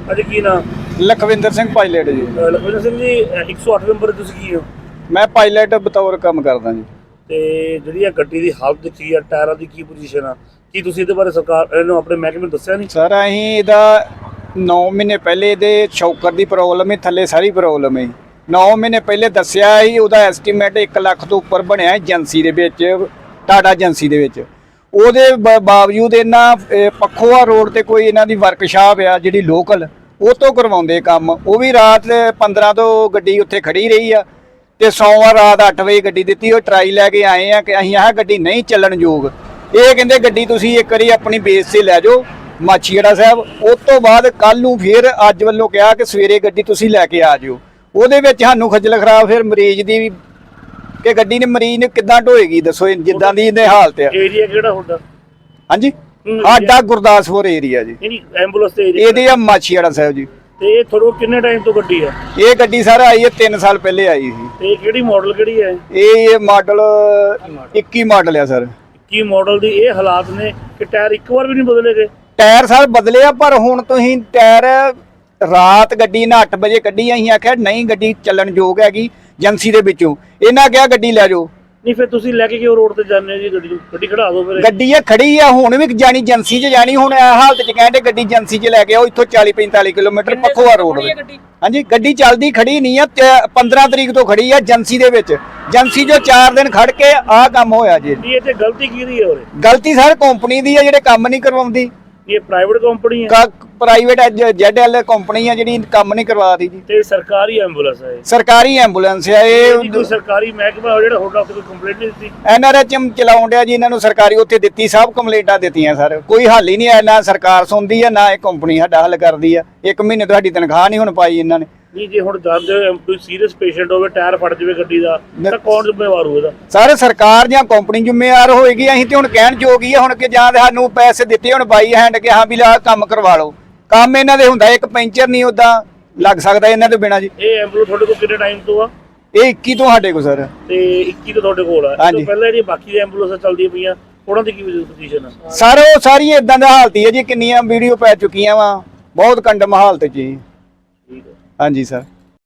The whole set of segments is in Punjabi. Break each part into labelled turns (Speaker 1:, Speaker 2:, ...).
Speaker 1: ਅੱਜ ਕੀ ਨਾਮ?
Speaker 2: ਲਖਵਿੰਦਰ ਸਿੰਘ ਪਾਇਲਟ ਜੀ।
Speaker 1: ਲਖਵਿੰਦਰ ਸਿੰਘ ਜੀ 108 ਨੰਬਰ ਤੁਸੀਂ ਕੀ ਹੋ?
Speaker 2: ਮੈਂ ਪਾਇਲਟ ਬਤੌਰ ਕੰਮ ਕਰਦਾ ਜੀ।
Speaker 1: ਤੇ ਜਿਹੜੀ ਆ ਗੱਡੀ ਦੀ ਹਾਲਤ ਕੀ ਆ, ਟਾਇਰਾਂ ਦੀ ਕੀ ਪੋਜੀਸ਼ਨ ਆ, ਕੀ ਤੁਸੀਂ ਇਹਦੇ ਬਾਰੇ ਸਰਕਾਰ ਇਹਨੂੰ ਆਪਣੇ ਮਹਿਕਮੇ ਨੂੰ ਦੱਸਿਆ ਨਹੀਂ?
Speaker 2: ਸਰ ਅਸੀਂ ਇਹਦਾ 9 ਮਹੀਨੇ ਪਹਿਲੇ ਇਹਦੇ ਸ਼ੌਕਰ ਦੀ ਪ੍ਰੋਬਲਮ ਹੈ, ਥੱਲੇ ਸਾਰੀ ਪ੍ਰੋਬਲਮ ਹੈ। 9 ਮਹੀਨੇ ਪਹਿਲੇ ਦੱਸਿਆ ਸੀ, ਉਹਦਾ ਐਸਟੀਮੇਟ 1 ਲੱਖ ਤੋਂ ਉੱਪਰ ਬਣਿਆ ਏਜੰਸੀ ਦੇ ਵਿੱਚ, ਟਾਟਾ ਏਜੰਸੀ ਦੇ ਵਿੱਚ। ਉਹਦੇ ਬਾਵਜੂਦ ਇਹਨਾਂ ਪੱਖੋਆ ਰੋਡ ਤੇ ਕੋਈ ਇਹਨਾਂ ਦੀ ਵਰਕਸ਼ਾਪ ਆ ਜਿਹੜੀ ਲੋਕਲ, ਉਹ ਤੋਂ ਕਰਵਾਉਂਦੇ ਕੰਮ। ਉਹ ਵੀ ਰਾਤ 15 ਤੋਂ ਗੱਡੀ ਉੱਥੇ ਖੜੀ ਰਹੀ ਆ ਤੇ ਸੋਮਵਾਰ ਰਾਤ 8 ਵਜੇ ਗੱਡੀ ਦਿੱਤੀ। ਉਹ ਟਰਾਈ ਲੈ ਕੇ ਆਏ ਆ ਕਿ ਅਸੀਂ ਆਹ ਗੱਡੀ ਨਹੀਂ ਚੱਲਣ ਯੋਗ। ਇਹ ਕਹਿੰਦੇ ਗੱਡੀ ਤੁਸੀਂ ਇੱਕ ਵਾਰੀ ਆਪਣੀ ਬੇਸ ਤੇ ਲੈ ਜਾਓ ਮਾਛੀਵਾੜਾ ਸਾਹਿਬ। ਉਸ ਤੋਂ ਬਾਅਦ ਕੱਲ ਨੂੰ ਫਿਰ ਅੱਜ ਵੱਲੋਂ ਕਿਹਾ ਕਿ ਸਵੇਰੇ ਗੱਡੀ ਤੁਸੀਂ ਲੈ ਕੇ ਆ ਜਿਓ। ਉਹਦੇ ਵਿੱਚ ਸਾਨੂੰ ਖੱਜਲ ਖਰਾਬ ਫਿਰ ਮਰੀਜ਼ ਦੀ ਵੀ ਕਿ ਗੱਡੀ ਨੇ ਮਰੀਜ਼ ਨੇ ਕਿੱਦਾਂ ਢੋਏਗੀ ਦੱਸੋ, ਜਿੱਦਾਂ ਦੀ ਇਹਦੇ ਹਾਲਤ ਆ।
Speaker 1: ਏਰੀਆ ਕਿਹੜਾ ਹੁੰਦਾ?
Speaker 2: ਹਾਂਜੀ, ਸਾਡਾ ਗੁਰਦਾਸਪੁਰ ਏਰੀਆ ਜੀ।
Speaker 1: ਨਹੀਂ ਐਂਬੂਲੈਂਸ ਤੇ ਏਰੀਆ
Speaker 2: ਇਹਦੇ ਆ ਮਾਛੀਵਾੜਾ ਸਾਹਿਬ ਜੀ।
Speaker 1: ਤੇ ਇਹ ਥੋੜਾ ਕਿੰਨੇ ਟਾਈਮ ਤੋਂ ਗੱਡੀ ਆ?
Speaker 2: ਇਹ ਗੱਡੀ ਸਰ ਆਈ ਹੈ 3 ਸਾਲ ਪਹਿਲੇ ਆਈ ਸੀ।
Speaker 1: ਤੇ ਕਿਹੜੀ ਮਾਡਲ ਕਿਹੜੀ ਹੈ?
Speaker 2: ਇਹ ਮਾਡਲ 21 ਮਾਡਲ ਆ ਸਰ।
Speaker 1: ਕੀ ਮਾਡਲ ਦੀ ਇਹ ਹਾਲਾਤ ਨੇ ਕਿ ਟਾਇਰ ਇੱਕ ਵਾਰ ਵੀ ਨਹੀਂ ਬਦਲੇ ਗਏ?
Speaker 2: ਟਾਇਰ ਸਰ ਬਦਲੇ ਆ, ਪਰ ਹੁਣ ਤੁਸੀਂ ਟਾਇਰ ਰਾਤ ਗੱਡੀ ਨਾ 8 ਵਜੇ ਕੱਢੀ। ਅਸੀਂ ਆਖਿਆ ਨਹੀਂ ਗੱਡੀ ਚੱਲਣ ਯੋਗ ਹੈਗੀ ਏਜੰਸੀ ਦੇ ਵਿੱਚੋਂ। ਇਹਨਾਂ ਕਿਹਾ ਗੱਡੀ ਲੈ ਜਾਓ।
Speaker 1: ਨਹੀਂ ਫਿਰ ਤੁਸੀਂ ਲੈ ਕੇ ਕਿਉਂ ਰੋਡ ਤੇ ਜਾਂਦੇ ਹੋ ਜੀ? ਗੱਡੀ ਖੜਾ ਦਿਓ ਫਿਰ।
Speaker 2: ਗੱਡੀ ਇਹ ਖੜੀ ਆ, ਹੁਣ ਵੀ ਜਾਣੀ ਏਜੰਸੀ 'ਚ ਜਾਣੀ। ਹੁਣ ਇਹ ਹਾਲਤ 'ਚ ਕਹਿੰਦੇ ਗੱਡੀ ਏਜੰਸੀ 'ਚ ਲੈ ਕੇ ਆਓ। ਇੱਥੋਂ 40-45 ਕਿਲੋਮੀਟਰ ਪੱਖੋਆ ਰੋਡ। ਹਾਂਜੀ, ਗੱਡੀ ਚੱਲਦੀ ਖੜੀ ਨਹੀਂ ਆ। 15 ਤਰੀਕ ਤੋਂ ਖੜੀ ਆ ਏਜੰਸੀ ਦੇ ਵਿੱਚ। ਏਜੰਸੀ ਜੋ 4 ਦਿਨ ਖੜ ਕੇ ਆਹ ਕੰਮ ਹੋਇਆ ਜੀ।
Speaker 1: ਇਹ ਤੇ ਗਲਤੀ ਕਿਹਦੀ ਹੈ ਉਰੇ?
Speaker 2: ਗਲਤੀ ਸਰ ਕੰਪਨੀ ਦੀ ਆ ਜਿਹੜੇ ਕੰਮ ਨਹੀਂ ਕਰਵਾਉਂਦੀ।
Speaker 1: ਇਹ ਪ੍ਰਾਈਵੇਟ ਕੰਪਨੀ ਹੈ?
Speaker 2: ਪ੍ਰਾਈਵੇਟ ZL ਕੰਪਨੀ ਆ ਜਿਹੜੀ ਕੰਮ ਨਹੀਂ ਕਰਵਾਦੀ ਜੀ।
Speaker 1: ਤੇ ਸਰਕਾਰੀ ਐਂਬੂਲੈਂਸ ਹੈ?
Speaker 2: ਸਰਕਾਰੀ ਐਂਬੂਲੈਂਸ ਆ ਇਹ।
Speaker 1: ਕੋਈ ਸਰਕਾਰੀ ਮਹਿਕਮਾ ਜਿਹੜਾ ਤੁਹਾਡਾ ਕੋਈ ਕੰਪਲੇਂਟ ਨਹੀਂ ਦਿੱਤੀ?
Speaker 2: NRHM ਚਲਾਉਣ ਡਿਆ ਜੀ ਇਹਨਾਂ ਨੂੰ। ਸਰਕਾਰੀ ਉੱਥੇ ਦਿੱਤੀ, ਸਭ ਕੰਪਲੇਂਟਾਂ ਦਿੱਤੀਆਂ ਸਰ। ਕੋਈ ਹੱਲ ਹੀ ਨਹੀਂ ਆਇਆ। ਨਾ ਸਰਕਾਰ ਸੁਣਦੀ ਆ, ਨਾ ਇਹ ਕੰਪਨੀ ਸਾਡਾ ਹੱਲ ਕਰਦੀ ਆ। 1 ਮਹੀਨੇ ਤੋਂ ਸਾਡੀ ਤਨਖਾਹ ਨਹੀਂ ਹੁਣ ਪਾਈ ਇਹਨਾਂ ਨੇ।
Speaker 1: ਨਹੀਂ ਜੇ ਹੁਣ ਜਾਂਦੇ ਕੋਈ ਸੀਰੀਅਸ ਪੇਸ਼ੈਂਟ ਹੋਵੇ, ਟਾਇਰ ਫਟ ਜਾਵੇ ਗੱਡੀ ਦਾ, ਤਾਂ ਕੌਣ ਜ਼ਿੰਮੇਵਾਰ ਹੋਵੇਗਾ?
Speaker 2: ਸਰ ਸਰਕਾਰ ਜਾਂ ਕੰਪਨੀ ਜ਼ਿੰਮੇਵਾਰ ਹੋਏਗੀ। ਅਸੀਂ ਤੇ ਹੁਣ ਕਹਿਣ ਯੋਗ ਹੀ ਆ ਹੁਣ ਕਿ ਜਾਂ ਸਾਨੂੰ ਪੈਸੇ ਦਿੱਤੇ ਹੁਣ ਬਾਈ ਹੈਂਡ ਕਿ ਹਾਂ ਵੀ ਆਹ ਕੰਮ ਕਰਵਾ ਲਓ। ਕੰਮ ਇਹਨਾਂ ਦੇ ਹੁੰਦਾ, ਇੱਕ ਪੈਂਚਰ ਨਹੀਂ ਉਦਾਂ ਲੱਗ ਸਕਦਾ ਇਹਨਾਂ ਤੋਂ ਬਿਨਾਂ ਜੀ।
Speaker 1: ਇਹ ਐਂਬੂਲੈਂਸ ਤੁਹਾਡੇ ਕੋਲ ਕਿੰਨੇ ਟਾਈਮ ਤੋਂ ਆ?
Speaker 2: ਇਹ 21 ਤੋਂ ਸਾਡੇ ਕੋਲ ਸਰ।
Speaker 1: ਤੇ 21 ਤੋਂ ਤੁਹਾਡੇ ਕੋਲ ਆ? ਇਸ ਤੋਂ ਪਹਿਲਾਂ ਜਿਹੜੀ ਬਾਕੀ ਦੇ ਐਂਬੂਲੈਂਸਾਂ ਚੱਲਦੀਆਂ ਪਈਆਂ ਉਹਨਾਂ ਦੀ ਕੀ ਪੋਜੀਸ਼ਨ ਆ?
Speaker 2: ਸਰ ਉਹ ਸਾਰੀਆਂ ਇਦਾਂ ਦਾ ਹਾਲਤ ਹੀ ਹੈ ਜੀ। ਕਿੰਨੀਆਂ ਵੀਡੀਓ ਪੈ ਚੁੱਕੀਆਂ ਵਾ, ਬਹੁਤ ਕੰਡਮ ਹਾਲਤ ਜੀ।
Speaker 1: ਠੀਕ ਹੈ,
Speaker 2: ਹਾਂਜੀ ਸਰ।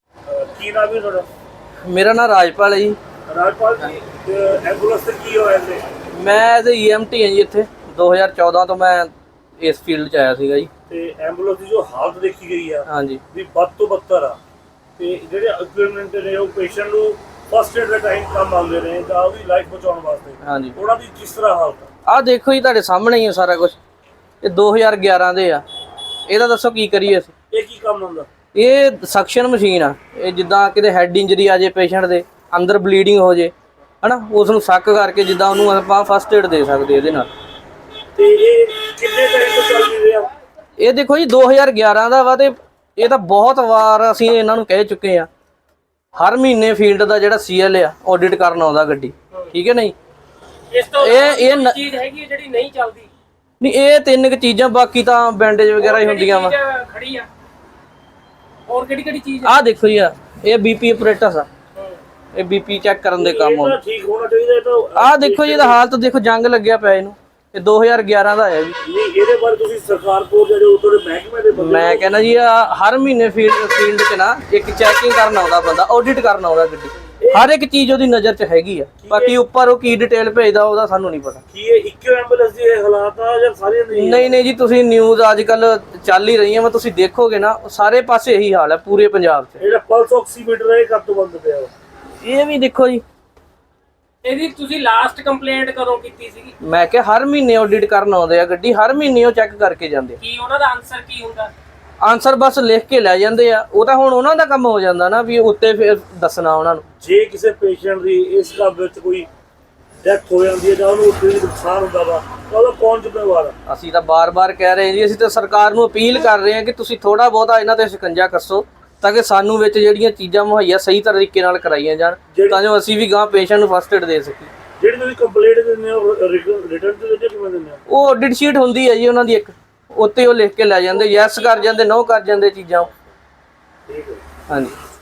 Speaker 1: ਕੀ ਨਾਮ ਹੈ ਤੁਹਾਡਾ?
Speaker 3: ਮੇਰਾ ਨਾਮ ਰਾਜਪਾਲ ਹੈ ਜੀ।
Speaker 1: ਰਾਜਪਾਲ ਜੀ, ਐਂਬੂਲੈਂਸ ਤੇ ਕੀ ਹੋਇਆ ਇੱਥੇ?
Speaker 3: ਮੈਂ ਐਜ਼ EMT ਹਾਂ ਜੀ। ਇੱਥੇ 2014 ਤੋਂ ਮੈਂ ਇਸ ਫੀਲਡ 'ਚ ਆਇਆ ਸੀਗਾ ਜੀ।
Speaker 1: ਤੇ ਐਂਬੂਲੈਂਸ ਦੀ ਜੋ ਹਾਲਤ ਦੇਖੀ ਗਈ ਆ
Speaker 3: ਹਾਂਜੀ,
Speaker 1: ਵੀ ਬਦ ਤੋਂ ਬੱਤਰ ਆ। ਤੇ ਜਿਹੜੇ ਇਕਵਿਪਮੈਂਟ ਨੇ ਉਹ ਪੇਸ਼ੈਂਟ ਨੂੰ ਫਸਟ ਏਡ ਦਾ ਟਾਈਮ ਕੰਮ ਆਉਂਦੇ ਨੇ ਜਾਂ ਉਹਦੀ ਲਾਈਫ ਬਚਾਉਣ ਵਾਸਤੇ,
Speaker 3: ਹਾਂਜੀ।
Speaker 1: ਉਹਨਾਂ ਦੀ ਕਿਸ ਤਰ੍ਹਾਂ ਹਾਲਤ ਆ?
Speaker 3: ਆਹ ਦੇਖੋ ਜੀ, ਤੁਹਾਡੇ ਸਾਹਮਣੇ ਹੀ ਹੈ ਸਾਰਾ ਕੁਝ। ਇਹ 2011 ਦੇ ਆ। ਇਹਦਾ ਦੱਸੋ ਕੀ ਕਰੀਏ ਅਸੀਂ?
Speaker 1: ਇਹ ਕੀ ਕੰਮ ਹੁੰਦਾ?
Speaker 3: ਇਹ ਸਕਸ਼ਨ ਮਸ਼ੀਨ ਆ। ਇਹ ਜਿੱਦਾਂ ਕਿਤੇ ਹੈਡ ਇੰਜਰੀ ਆ ਜੇ ਪੇਸ਼ੈਂਟ ਦੇ, ਅੰਦਰ ਬਲੀਡਿੰਗ ਹੋ ਜੇ ਹਨਾ, ਉਸ ਨੂੰ ਸੱਕ ਕਰਕੇ ਜਿੱਦਾਂ ਉਹਨੂੰ ਆਪਾਂ ਫਸਟ ਏਡ ਦੇ ਸਕਦੇ ਇਹਦੇ ਨਾਲ।
Speaker 1: ਤੇ ਇਹ ਕਿੰਨੇ ਟਾਈਮ ਤੋਂ ਚੱਲ ਰਿਹਾ?
Speaker 3: ਇਹ ਦੇਖੋ ਜੀ 2011 ਦਾ ਵਾ। ਤੇ ਇਹ ਤਾਂ ਬਹੁਤ ਵਾਰ ਅਸੀਂ ਇਹਨਾਂ ਨੂੰ ਕਹਿ ਚੁੱਕੇ ਆ। ਹਰ ਮਹੀਨੇ ਫੀਲਡ ਦਾ ਜਿਹੜਾ CL ਆ ਆਡਿਟ ਕਰਨ ਆਉਂਦਾ ਗੱਡੀ, ਠੀਕ ਹੈ ਨਹੀਂ?
Speaker 4: ਇਸ ਤੋਂ
Speaker 3: ਇਹ
Speaker 4: ਚੀਜ਼ ਹੈਗੀ ਜਿਹੜੀ ਨਹੀਂ ਚੱਲਦੀ?
Speaker 3: ਨਹੀਂ, ਇਹ 3 ਕੁ ਚੀਜ਼ਾਂ, ਬਾਕੀ ਤਾਂ ਬੈਂਡੇਜ ਵਗੈਰਾ ਹੀ ਹੁੰਦੀਆਂ ਵਾ।
Speaker 4: ਖੜੀ ਆ ਹੋਰ ਕਿਹੜੀ ਚੀਜ਼?
Speaker 3: ਆਹ ਦੇਖੋ ਜੀ, ਇਹ BP ਆਪਰੇਟਸ ਆ। ਇਹ BP ਚੈੱਕ ਕਰਨ ਦੇ ਕੰਮ ਆਉਂਦਾ।
Speaker 1: ਠੀਕ ਹੋਣਾ ਚਾਹੀਦਾ। ਇਹ ਤਾਂ
Speaker 3: ਆਹ ਦੇਖੋ ਜੀ, ਇਹਦਾ ਹਾਲਤ ਦੇਖੋ, ਜੰਗ ਲੱਗਿਆ ਪਿਆ ਇਹਨੂੰ। ਇਹ 2011 ਦਾ ਆਇਆ ਜੀ।
Speaker 1: ਨਹੀਂ, ਇਹਦੇ ਬਾਰੇ ਤੁਸੀਂ ਸਰਕਾਰ ਕੋਲ ਜਿਹੜੇ ਉਤੋਂ ਮਹਿਕਮੇ ਦੇ ਬੰਦੇ,
Speaker 3: ਮੈਂ ਕਹਿੰਦਾ ਜੀ ਹਰ ਮਹੀਨੇ ਫੀਲਡ 'ਚ ਨਾ ਇੱਕ ਚੈਕਿੰਗ ਕਰਨ ਆਉਂਦਾ ਬੰਦਾ, ਆਡਿਟ ਕਰਨ ਆਉਂਦਾ ਗੱਡੀ। ਹਰ ਇੱਕ ਚੀਜ਼ ਉਹਦੀ ਨਜ਼ਰ 'ਚ ਹੈਗੀ ਆ। ਬਾਕੀ ਉੱਪਰ ਉਹ ਕੀ ਡਿਟੇਲ ਭੇਜਦਾ ਉਹਦਾ ਸਾਨੂੰ ਨਹੀਂ ਪਤਾ।
Speaker 1: ਕੀ ਇਹ ਇੱਕੋ ਐਂਬੂਲੈਂਸ ਦੀ ਇਹ ਹਾਲਾਤ ਆ ਜਾਂ ਸਾਰੀਆਂ ਨਹੀਂ?
Speaker 3: ਨਹੀਂ ਜੀ, ਤੁਸੀਂ ਨਿਊਜ਼ ਅੱਜ ਕੱਲ ਚੱਲ ਹੀ ਰਹੀਆਂ ਵਾ, ਤੁਸੀਂ ਦੇਖੋਗੇ ਨਾ ਸਾਰੇ ਪਾਸੇ ਇਹੀ ਹਾਲ ਹੈ ਪੂਰੇ ਪੰਜਾਬ 'ਚ।
Speaker 1: ਜਿਹੜਾ ਪਲਸ ਆਕਸੀਮੀਟਰ ਇਹ ਕਦ ਤੋਂ ਬੰਦ ਪਿਆ ਵਾ?
Speaker 3: ਇਹ ਵੀ ਦੇਖੋ ਜੀ।
Speaker 4: ਇਹਦੀ ਤੁਸੀਂ ਲਾਸਟ ਕੰਪਲੇਂਟ ਕਦੋਂ ਕੀਤੀ ਸੀਗੀ?
Speaker 3: ਮੈਂ ਕਿਹਾ ਹਰ ਮਹੀਨੇ ਆਡਿਟ ਕਰਨ ਆਉਂਦੇ ਆ ਗੱਡੀ, ਹਰ ਮਹੀਨੇ ਉਹ ਚੈੱਕ ਕਰਕੇ ਜਾਂਦੇ ਆ।
Speaker 4: ਕੀ ਉਹਨਾਂ ਦਾ ਆਨਸਰ ਕੀ ਹੁੰਦਾ?
Speaker 3: ਆਨਸਰ ਬਸ ਲਿਖ ਕੇ ਲੈ ਜਾਂਦੇ ਆ। ਉਹ ਤਾਂ ਹੁਣ ਉਹਨਾਂ ਦਾ ਕੰਮ ਹੋ ਜਾਂਦਾ ਨਾ ਵੀ ਉੱਤੇ ਫਿਰ ਦੱਸਣਾ ਉਹਨਾਂ ਨੂੰ।
Speaker 1: ਜੇ ਕਿਸੇ ਪੇਸ਼ੈਂਟ ਦੀ ਇਸ ਕੰਮ ਵਿੱਚ ਕੋਈ ਡੈਥ ਹੋ ਜਾਂਦੀ ਹੈ ਜਾਂ ਉਹਨੂੰ ਉੱਥੇ ਨੁਕਸਾਨ ਹੁੰਦਾ ਵਾ ਤਾਂ ਉਹਦਾ ਕੌਣ ਜ਼ਿੰਮੇਵਾਰ ਆ?
Speaker 3: ਅਸੀਂ ਤਾਂ ਬਾਰ-ਬਾਰ ਕਹਿ ਰਹੇ ਜੀ, ਅਸੀਂ ਤਾਂ ਸਰਕਾਰ ਨੂੰ ਅਪੀਲ ਕਰ ਰਹੇ ਹਾਂ ਕਿ ਤੁਸੀਂ ਥੋੜਾ ਬਹੁਤਾ ਇਹਨਾਂ ਤੇ ਸ਼ਿਕੰਜਾ ਕੱਸੋ ਤਾਂ ਕਿ ਸਾਨੂੰ ਵਿੱਚ ਜਿਹੜੀਆਂ ਚੀਜ਼ਾਂ ਮੁਹੱਈਆ ਸਹੀ ਤਰੀਕੇ ਨਾਲ ਕਰਾਈਆਂ ਜਾਣ, ਤਾਂ ਜੋ ਅਸੀਂ ਵੀ ਗਾਂ ਪੇਸ਼ੈਂਟ ਨੂੰ ਫਸਟ ਏਡ ਦੇ ਸਕੀਏ।
Speaker 1: ਜਿਹੜੀ ਤੁਸੀਂ ਕੰਪਲੇਂਟ ਦਿੰਦੇ ਹੋ ਰਿਟਰਨ ਤੇ ਦਿੰਦੇ ਕਿਵੇਂ ਦਿੰਦੇ ਹੋ?
Speaker 3: ਉਹ ਆਡਿਟ ਸ਼ੀਟ ਹੁੰਦੀ ਹੈ ਜੀ ਉਹਨਾਂ ਦੀ ਇੱਕ, ਉੱਤੇ ਉਹ ਲਿਖ ਕੇ ਲੈ ਜਾਂਦੇ, ਯੈਸ ਕਰ ਜਾਂਦੇ, ਨੋ ਕਰ ਜਾਂਦੇ ਚੀਜ਼ਾਂ।
Speaker 1: ਠੀਕ ਹੈ।
Speaker 3: ਹਾਂਜੀ।